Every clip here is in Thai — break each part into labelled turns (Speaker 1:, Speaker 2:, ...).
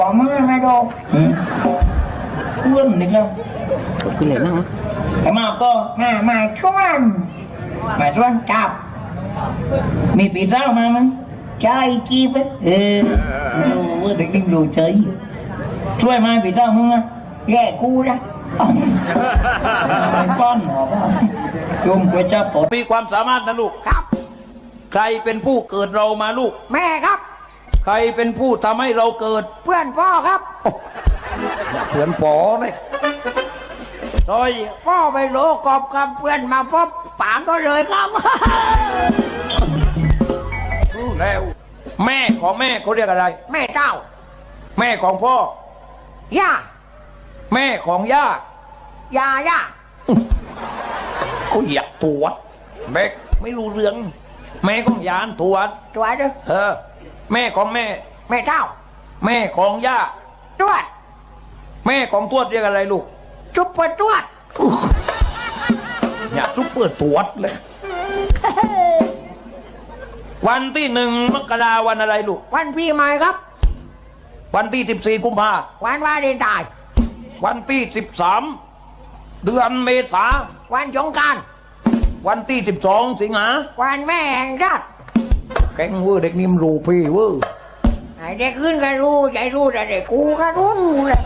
Speaker 1: ต่อมาไม่ดอกเพื่อนนิดแล้วกินเลยนะแต่มาก็มาชวนจับมีปีเท้ามามั้ยใช่กีบรู้เด็กนิ่งรู้เฉยช่วยมาปีเท้ามึงนะแย่กูนะป้อนหรอจุ่มไปจับปด
Speaker 2: มีความสามารถนะลูกครับใครเป็นผู้เกิดเรามาลูก
Speaker 3: แม่ครับ
Speaker 2: ใครเป็นผู้ทำให้เราเกิด
Speaker 3: เพื่อนพ่อครับ
Speaker 2: เพื่อนปอเลย
Speaker 3: โดยพ่อไปโลกอบกับเพื่อนมาพบปางก็เลยครับ
Speaker 2: รู้แล้วแม่ของแม่เขาเรียกอะไร
Speaker 3: แม่เจ้า
Speaker 2: แม่ของพ่อย่
Speaker 3: า
Speaker 2: แม่ของย่า
Speaker 3: ย่า
Speaker 2: เขาอยากตรวจแบกไม่รู้เรื่องแม่ของยานตรวจ
Speaker 3: ด้วย
Speaker 2: แม่ของแม่
Speaker 3: เจ้า
Speaker 2: แม่ของย่า
Speaker 3: ตรวจ
Speaker 2: แม่ของทวดเรียกอะไรลูก
Speaker 3: จุ๊บเปิดตรวจ
Speaker 2: อยากจุ๊บเปิดตรวจเลยวันที่1 มกราวันอะไรลูก
Speaker 3: วันปีใหม่ครับ
Speaker 2: วันที่14 กุมภา
Speaker 3: วันวาเลนไทน์
Speaker 2: วันที่13 เดือนเมษา
Speaker 3: วันสงกรานต์
Speaker 2: วันที่12 สิงหา
Speaker 3: วันแม่แห่งชาติ
Speaker 2: แกงเวอร์เด็กนิ่มรู้พี่เวอร์
Speaker 3: ไอ้เด็กขึ้นก็รู้ใจรู้แต่เด็กกูก็รู้เลย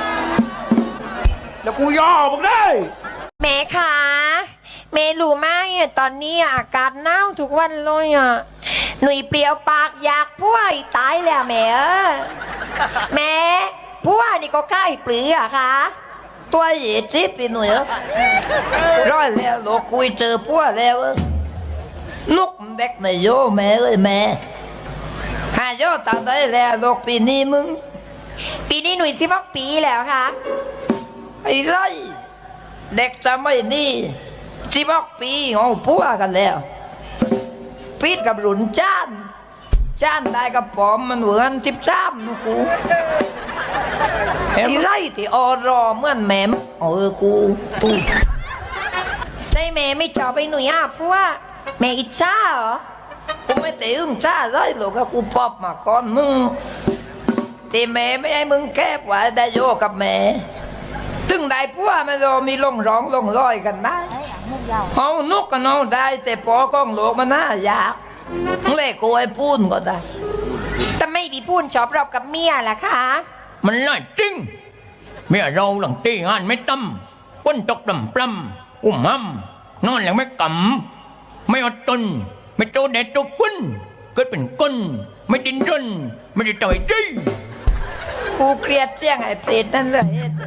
Speaker 2: แล้วกูย่อมึงได้
Speaker 4: แม่คะแม่รู้ไหมตอนนี้อากาศหนาวทุกวันเลยหนุ่ยเปลี่ยวปากอยากพัวตายแล้วแม่แม่พัวนี่ก็ใกล้ปลือค่ะ
Speaker 3: ตัวเหยียดจิ๊บไปหน่อยร้อยแล้วโลกคุยเจอพัวแล้วนกเด็กในโยแม่เลยแม่หาโยตาได้แล้วโลกปีนี้มึง
Speaker 4: ปีนี้หนุ่ย16 ปีแล้วค่ะ
Speaker 3: ไอ้ไรเด็กจะไม่นี่16 ปีเอาพัวกันแล้วปีดกับหลุนจ้านได้กับปอมมันเหมือน13นูกูไอ้ไรที่อรอเหมือนแม่กู
Speaker 4: ใจแม่ไม่จอไปหนุ่ยพัวแม่อิจฉาเหรอ
Speaker 3: กูไม่ตีอึ้งจ้าไรหรอกกูปอบมาก่อนมึงที่แม่ไม่ให้มึงแก้ไว้ได้โยกับแม่ถึงได้พัวมันเรามีลงร้องลงร้อยกันไหมเอานกกันเอาได้แต่ปอกล้องโลกมันน่ายากเล่กูไอ้พูนก็ได้
Speaker 4: แต่ไม่มีพูนชอบรอบกับเมียล่ะคะ
Speaker 2: มันน่าจริงเมียเราหลังตีงานไม่ตั้มก้นตกดำปล้ำอุ้มห้ำนอนอย่างไม่กำไม่อดทนไม่โตเด็ดโตกุ้นเกิดเป็นก้นไม่ดินรนไม่ได้ต่อยดี
Speaker 3: กูเครียดเสียงไอ้เปรตนั่นเลย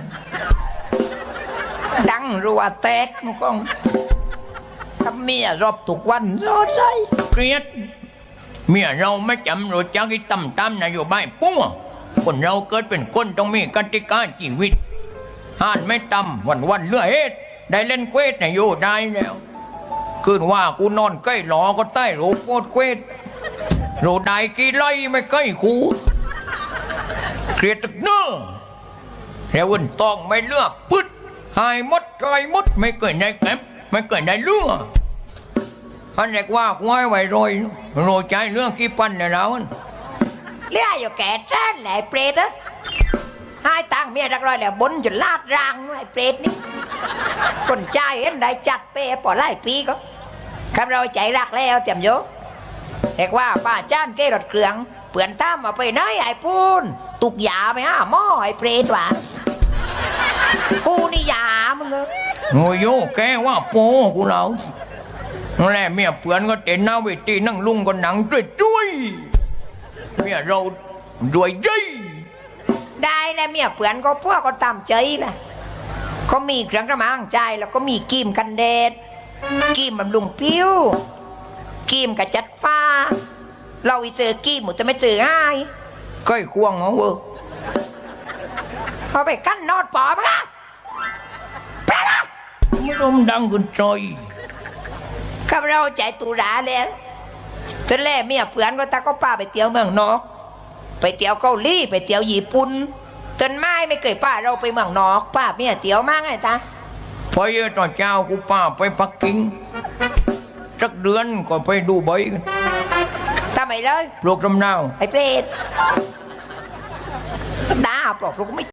Speaker 3: ดังรัวแตกมึงก้องกับเมียรอบทุกวันรอใจ
Speaker 2: เครียดเมียเราไม่จำรู้จักที่ตำนโยบายปั้วคนเราเกิดเป็นคนต้องมีกติกาชีวิตห้านไม่ตำวันเลือเฮ็ดได้เล่นเควสในโยได้แล้วคืนว่ากูนอนใกล้หลอก็ใต้โรโปดเควสโรได้กี่ไล่ไม่ใกล้คูเครียดตึกเนื้อแล้ววันต้องไม่เลือกพึดหายมดไกลมดไม่เกิดได้แก็บไม่เกิดได้เลือกพันเรียกว่าควายไว้โรยใจเรื่องกี่ปันเนี่ยแล้ว
Speaker 3: เลี้ยอยู่แก่แจ้นแหละเปรตให้ตังเมียรักรอยแล้วบนจนลาดรางไอ้เปรตนี่คนใจเห็นได้จัดเป้ปอไล่ปีก็คำเราใจรักแล้วเตรียมโยเรียกว่าป้าจ้านเกรถเครื่องเปื่อนตามมาไปไหนไอ้พูนตุกยาไปหม้อไอ้เปรตว่ะกูนี่ยามึงเหรอ
Speaker 2: โง่โยแกว่าโป้กูเราแล่เมียเปื่อนก็เต้นหน้าเวทีนั่งลุงก็หนังด้วยเมียเราด้วย
Speaker 3: ได้แล้วเมียเปื่อนก็พวกก็ตามใจแหละก็มีเครื่องกระมังใจแล้วก็มีกีมกันแดดกีมบำรุงผิวกีมกับจัดฟ้าเราไปเจอกีมหมดแต่ไม่เจอง่าย
Speaker 2: ก้อยควงเหรอเวอร์
Speaker 3: เขาไปกั้นนอดปอมั้งปะนะ
Speaker 2: ไม่รู้ดังกันใจ
Speaker 3: ข้าเราใจตุลาแล้วตอนแรกเมียเปื่อนก็ตาก็ป้าไปเที่ยวเมืองนอกไปเที่ยวเกาหลีไปเที่ยวญี่ปุ่นจนไม่เคยป้าเราไปเมืองนอกป้าเมียเที่ยวมากไงตา
Speaker 2: พอเยอะตอนเช้ากูป้าไปปักกิ่งสักเดือนก็ไปดูใบกัน
Speaker 3: ทำไมเลย
Speaker 2: ปลูกลำนาว
Speaker 3: ไอ้เปรตปลอกเราก็ไม่